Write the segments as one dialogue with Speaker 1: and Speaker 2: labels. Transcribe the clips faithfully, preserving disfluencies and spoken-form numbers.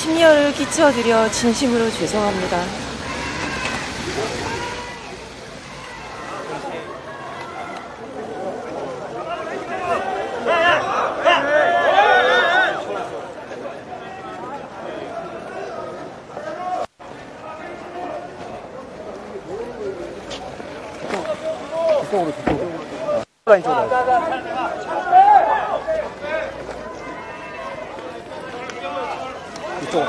Speaker 1: 심려를 끼쳐드려 진심으로 죄송합니다.
Speaker 2: 이쪽으로, 이쪽으로. 라인 쪽으로. 이쪽으로.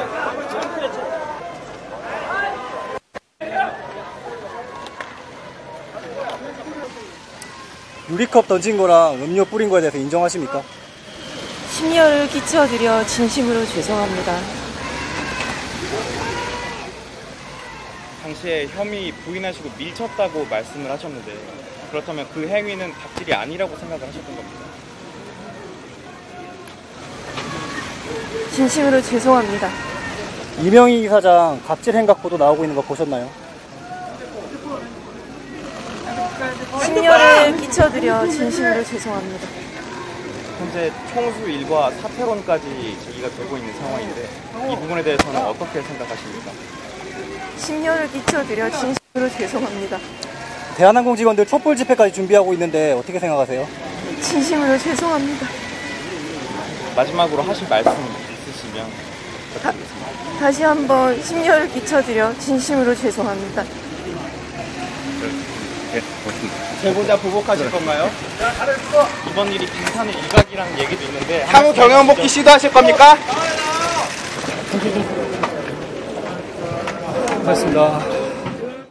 Speaker 2: 유리컵 던진 거랑 음료 뿌린 거에 대해서 인정하십니까?
Speaker 1: 심려를 끼쳐드려 진심으로 죄송합니다.
Speaker 3: 당시에 혐의 부인하시고 밀쳤다고 말씀을 하셨는데 그렇다면 그 행위는 갑질이 아니라고 생각을 하셨던 겁니다.
Speaker 1: 진심으로 죄송합니다.
Speaker 2: 이명희 사장 갑질 행각 보도 나오고 있는 거 보셨나요?
Speaker 1: 심려를 끼쳐드려 진심으로 죄송합니다.
Speaker 3: 현재 총수 일과 사퇴론까지 제기가 되고 있는 상황인데 이 부분에 대해서는 어떻게 생각하십니까?
Speaker 1: 심려를 끼쳐드려 진심으로 죄송합니다.
Speaker 2: 대한항공 직원들 촛불 집회까지 준비하고 있는데 어떻게 생각하세요?
Speaker 1: 진심으로 죄송합니다.
Speaker 3: 마지막으로 하실 말씀 있으시면
Speaker 1: 다, 다시 한번 심려를 끼쳐드려 진심으로 죄송합니다.
Speaker 3: 제보자 보복하실 건가요? 이번 일이 빙산의 일각이라는 얘기도 있는데
Speaker 4: 향후 경영 복귀 시도하실 겁니까?
Speaker 2: 고맙습니다.